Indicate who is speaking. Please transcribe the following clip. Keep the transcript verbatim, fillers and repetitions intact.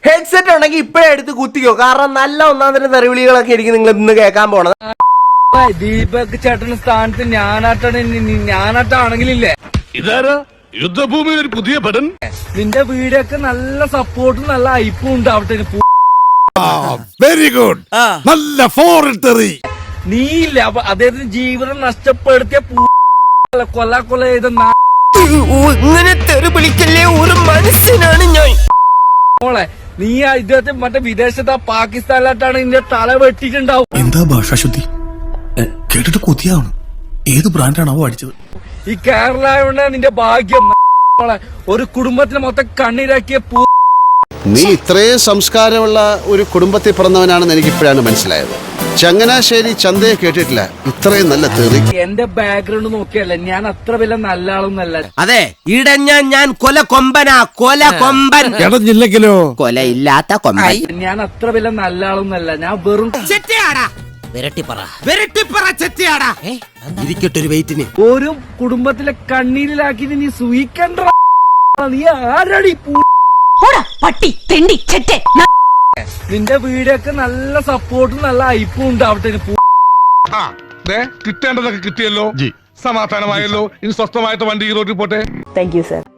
Speaker 1: Headset ഉണ്ടെങ്കിൽ ഇപ്പഴേ എടുത്ത് കുത്തിക്കോ, കാരണം നല്ല ഒന്നാം തരം തെറിവിളികളൊക്കെ ആയിരിക്കും നിങ്ങൾ ഇന്ന് കേൾക്കാൻ പോണത്.
Speaker 2: ദീപക് ചേട്ടന്റെ സ്ഥാനത്ത് ഞാനാട്ടാണ് ഞാനാട്ടാണെങ്കിലില്ലേ
Speaker 3: ഇതാരാ യുദ്ധഭൂമിയിൽ ഒരു പുതിയ പടൻ.
Speaker 2: നിന്റെ വീടൊക്കെ നല്ല സപ്പോർട്ടും നല്ല ഐപ്പും ഉണ്ടാവട്ടെ.
Speaker 4: വെരി ഗുഡ്, നല്ല ഫോറിൻ തെറി.
Speaker 2: നീയില്ല അപ്പൊ അദ്ദേഹത്തിന് ജീവിതം നഷ്ടപ്പെടുത്തിയ കൊല്ല കൊല ചെയ്ത
Speaker 1: ഇങ്ങനെ തെറി വിളിക്കല്ലേ, ഒരു മനുഷ്യനാണ് ഞാൻ.
Speaker 2: മോളെ നീ ഇദ്ദേഹത്തെ മറ്റേ വിദേശത്ത് പാകിസ്ഥാനിലായിട്ടാണ് നിന്റെ തല വെട്ടിട്ടുണ്ടാവും.
Speaker 4: എന്താ ഭാഷാശുദ്ധി കേട്ടിട്ട് കൊതിയാവണം. ഏത് ബ്രാൻഡാണാവോ അടിച്ചത്?
Speaker 2: ഈ കേരള നിന്റെ ഭാഗ്യം. മോളെ ഒരു കുടുംബത്തിന് മൊത്തം കണ്ണീരാക്കിയ പൂ.
Speaker 5: നീ ഇത്രയും സംസ്കാരമുള്ള ഒരു കുടുംബത്തിൽ പിറന്നവനാണെന്ന് എനിക്ക് ഇപ്പോഴാണ് മനസ്സിലായത്. ചങ്ങനാശ്ശേരി ചന്തയെ കേട്ടിട്ടില്ല ഇത്രയും നല്ല തെറി.
Speaker 2: എന്റെ ബാക്ക്ഗ്രൗണ്ട് നോക്കിയല്ല, ഞാൻ അത്ര വലിയ നല്ല ആളൊന്നല്ല.
Speaker 1: അതെ, ഇടഞ്ഞ ഞാൻ കൊല കൊമ്പനാ, കൊല കൊമ്പൻ.
Speaker 4: ഇടഞ്ഞില്ലെങ്കിലോ
Speaker 1: കൊല ഇല്ലാത്ത കൊമ്പൻ.
Speaker 2: ഞാൻ അത്ര വലിയ നല്ല ആളൊന്നല്ല, ഞാൻ വെറും
Speaker 1: ഇരിക്കട്ടൊരു വെയിറ്റിന്.
Speaker 2: ഒരു കുടുംബത്തിലെ കണ്ണീരിലാക്കി നീ സൂയിക്കണ്ട. നീ ആരടി
Speaker 6: പട്ടി തെണ്ടി ചെറ്റേ.
Speaker 2: നിന്റെ വീടൊക്കെ നല്ല സപ്പോർട്ടും നല്ല ഐപ്പും ഉണ്ടാവട്ടെ.
Speaker 3: കിട്ടേണ്ടതൊക്കെ കിട്ടിയല്ലോ, സമാധാനമായല്ലോ. ഇനി സ്വസ്ഥമായിട്ട് വണ്ടി ഈ റോഡിൽ പോട്ടെ.
Speaker 6: Thank you sir.